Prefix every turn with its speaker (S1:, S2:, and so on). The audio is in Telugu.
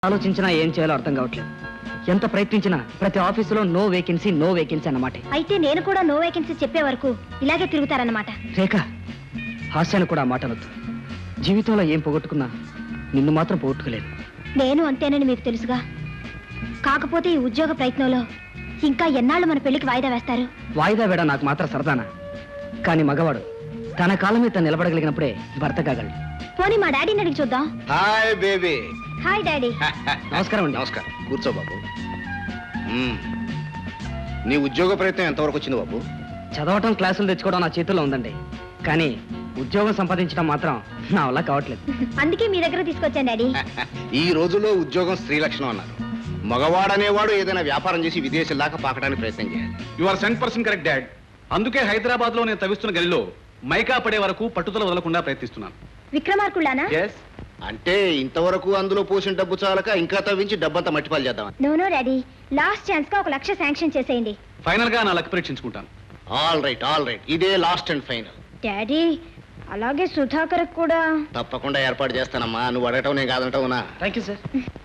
S1: ఆలోచించినా ఏం చేయాలో అర్థం కావట్లేదు. ఎంత ప్రయత్నించినా ప్రతి ఆఫీసులో నో వేకెన్సీ అన్నమాట.
S2: అయితే నేను కూడా నో వేకెన్సీ చెప్పే వరకు ఇలాగే తిరుగుతారన్నమాట.
S1: రేఖ, హాస్యాన్ని కూడా ఆ మాట అనొద్దు. జీవితంలో ఏం పోగొట్టుకున్నా నిన్ను మాత్రం పోగొట్టుకోలేదు.
S2: నేను అంతేనని మీకు తెలుసుగా. కాకపోతే ఈ ఉద్యోగ ప్రయత్నంలో ఇంకా ఎన్నాళ్ళు మన పెళ్లికి వాయిదా వేస్తారు?
S1: వాయిదా వేడ నాకు మాత్రం సరదానా? కానీ మగవాడు తన కాలం మీద నిలబడగలిగినప్పుడే భర్త కాగలడు.
S2: పోనీ మా డాడీని అడిగి చూద్దాం.
S3: Hi baby.
S2: Hi daddy.
S1: నమస్కారం అండి.
S3: నమస్కారం. కూర్చో బాబు. నీ ఉద్యోగ ప్రయత్నం ఎంతవరకు వచ్చింది బాబు?
S1: చదవటం, క్లాసులు తెచ్చుకోవడం నా చేతుల్లో ఉందండి. కానీ ఉద్యోగం సంపాదించడం మాత్రం నా వల్ల కావట్లేదు.
S2: అందుకే మీ దగ్గర తీసుకొచ్చాను డాడీ.
S3: ఈ రోజుల్లో ఉద్యోగం స్త్రీ లక్షణం అన్నారు. మగవాడనేవాడు ఏదైనా వ్యాపారం చేసి విదేశీ దాకా పాకడానికి ప్రయత్నం చేయాలి.
S4: You are 100% correct dad. అందుకే హైదరాబాద్ లో నేను తవ్విస్తున్న గదిలో మైకా పడే వరకు పట్టుదల వదలకుండా ప్రయత్నిస్తున్నాను.
S2: విక్రమార్కుళ్ళానా?
S3: అంటే ఇంతవరకు అందులో పోసిన డబ్బు చాలక ఇంకా తవ్వించి డబ్బంతా మట్టిపాలు చేద్దామని.
S2: నో డాడీ, లాస్ట్ ఛాన్స్ గా 1 లక్ష శాంక్షన్ చేసేయండి.
S4: ఫైనల్ గా నా లక్ పరీక్షించుకుంటాను.
S3: ఆల్ రైట్, ఇదే లాస్ట్ అండ్ ఫైనల్.
S2: డాడీ, అలాగే సుధాకర్ కూడా
S3: తప్పకుండా ఏర్పాటు చేస్తానమ్మా. నువ్వు అడగటం నేను కాదంటావునా?
S1: Thank you sir.